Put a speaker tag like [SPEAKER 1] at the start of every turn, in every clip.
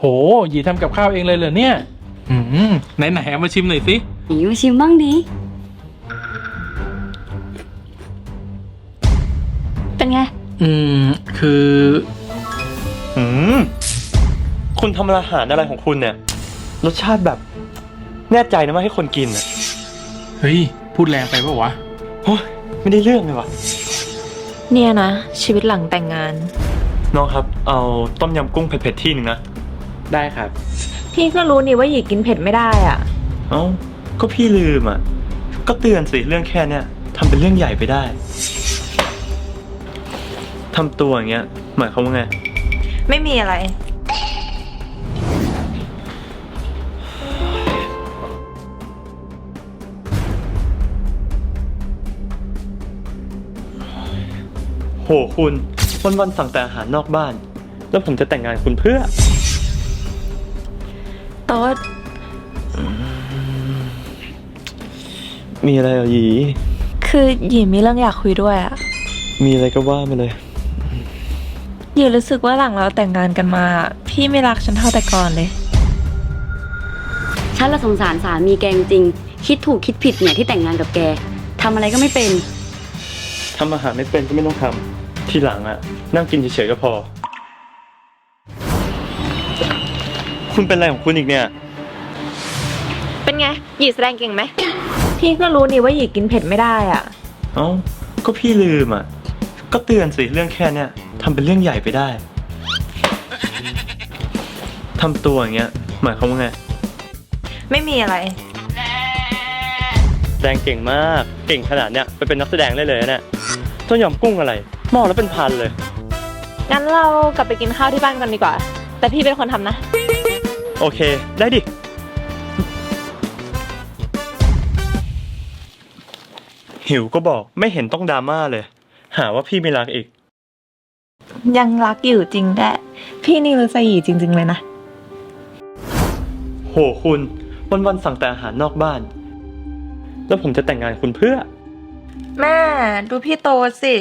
[SPEAKER 1] โหหยีทำกับข้าวเองเลยเหรอเนี่ยไหนเอามาชิมหน่อยสิ
[SPEAKER 2] หนีมาชิมบ้างดิเป็นไง
[SPEAKER 1] คือ
[SPEAKER 3] คุณทำอาหารอะไรของคุณเนี่ยรสชาติแบบแน่ใจนะว่าให้คนกินอ่ะ
[SPEAKER 1] เฮ้ยพูดแรงไปปะวะ
[SPEAKER 3] โอ้ยไม่ได้เรื่องเลยวะ
[SPEAKER 4] เนี่ยนะชีวิตหลังแต่งงาน
[SPEAKER 3] น้องครับเอาต้มยำกุ้งเผ็ดๆที่หนึ่งนะ
[SPEAKER 1] ได้ครับ
[SPEAKER 4] พี่ก็รู้นี่ว่าหยีกินเผ็ดไม่ได้อ่ะ
[SPEAKER 3] เอ้าก็พี่ลืมอ่ะก็เตือนสิเรื่องแค่เนี้ยทำเป็นเรื่องใหญ่ไปได้ทำตัวอย่างเงี้ยหมายความว่าไง
[SPEAKER 4] ไม่มีอะไร
[SPEAKER 3] โหคุณวันๆสั่งแต่อาหารนอกบ้านแล้วผมจะแต่งงานคุณเพื่อ
[SPEAKER 4] โต๊ด
[SPEAKER 3] มีอะไรเหรอหยี
[SPEAKER 4] คือหยีมีเรื่องอยากคุยด้วยอ่ะ
[SPEAKER 3] มีอะไรก็ว่ามาเลย
[SPEAKER 4] หยีรู้สึกว่าหลังเราแต่งงานกันมาพี่ไม่รักฉันเท่าแต่ก่อนเลย
[SPEAKER 2] ฉันละสงสารสามีแกจริงคิดถูกคิดผิดเนี่ยที่แต่งงานกับแกทำอะไรก็ไม่เป็น
[SPEAKER 3] ทำอาหารไม่เป็นก็ไม่ต้องทำทีหลังอ่ะนั่งกินเฉยๆก็พอคุณเป็นอะไรของคุณอีกเนี่ย
[SPEAKER 4] เป็นไงหยีแสดงเก่งไหมพี่ก็รู้นี่ว่าหยีกินเผ็ดไม่ได้อ่ะ
[SPEAKER 3] เอ้าก็พี่ลืมอ่ะก็เตือนสิเรื่องแค่เนี้ยทำเป็นเรื่องใหญ่ไปได้ทำตัวอย่างเงี้ยหมายความว่าไง
[SPEAKER 4] ไม่มีอะไร
[SPEAKER 3] แสดงเก่งมากเก่งขนาดเนี้ยไปเป็นนักแสดงได้เลยเนี่ยต้มยำกุ้งอะไรหม้อแล้วเป็นพันเลย
[SPEAKER 4] งั้นเรากลับไปกินข้าวที่บ้านกันดีกว่าแต่พี่เป็นคนทำนะ
[SPEAKER 3] โอเคได้ดิหิวก็บอกไม่เห็นต้องดราม่าเลยหาว่าพี่ไม่รักอีก
[SPEAKER 4] ยังรักอยู่จริงแหละพี่นี่รู้ใจหยีจริงๆเลยนะ
[SPEAKER 3] โหคุณวันๆสั่งแต่อาหารนอกบ้านแล้วผมจะแต่งงานคุณเพื่อ
[SPEAKER 4] แม่ดูพี่โตสิ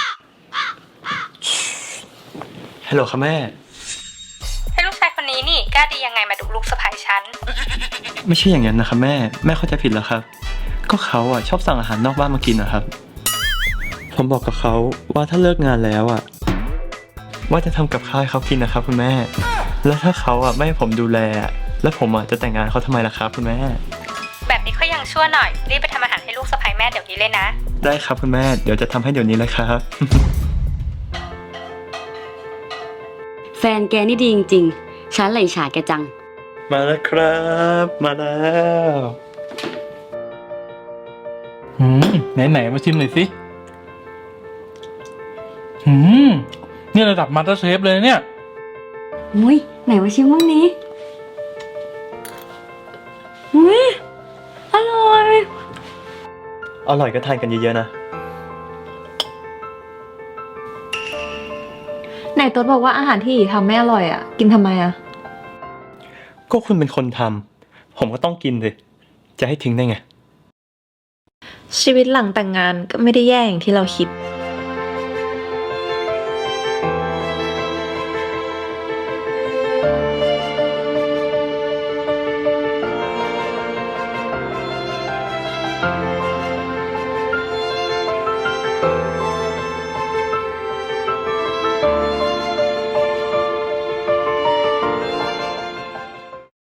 [SPEAKER 3] ฮัลโหลค่ะแม่
[SPEAKER 5] ให้ลูกชายคนนี้นี่กล้าดียังไงมาดุลูกสะใภ้ฉัน
[SPEAKER 3] ไม่ใช่อย่างนั้นนะครับแม่เข้าใจผิดแล้วครับก็เขาอ่ะชอบสั่งอาหารนอกบ้านมากินนะครับผมบอกกับเขาว่าถ้าเลิกงานแล้วอ่ะว่าจะทำกับข้าวให้เขากินนะครับคุณแม่แล้วถ้าเขาอ่ะไม่ให้ผมดูแลแล้วผมอ่ะจะแต่งงานเขาทำไมล่ะครับคุณแม่
[SPEAKER 5] แบบนี้ก็ยังชั่วหน่อยรีบไปทำอาหารให้ลูกสะใภ้แม่เดี๋ยวนี้เลยนะ
[SPEAKER 3] ได้ครับคุณแม่เดี๋ยวจะทำให้เดี๋ยวนี้เลยครับ
[SPEAKER 2] แฟนแกนี่ดีจริงๆฉันเลยอิจฉาแกจัง
[SPEAKER 3] มาแล้วครับมาแล้ว
[SPEAKER 1] ไหนมาชิมหน่อยสินี่ระดับมาสเตอร์เชฟเลยเนี่ย
[SPEAKER 2] อุ้ยไหนมาชิมบ้างนี้อุ้ยอร่อย
[SPEAKER 3] ก็ทานกันเยอะๆนะ
[SPEAKER 4] ไหนโต๊ดบอกว่าอาหารที่หยีทำไม่อร่อยอ่ะกินทำไมอ่ะ
[SPEAKER 3] ก็คุณเป็นคนทำผมก็ต้องกินสิจะให้ทิ้งได้ไง
[SPEAKER 4] ชีวิตหลังแต่งงานก็ไม่ได้แย่อย่างที่เราคิด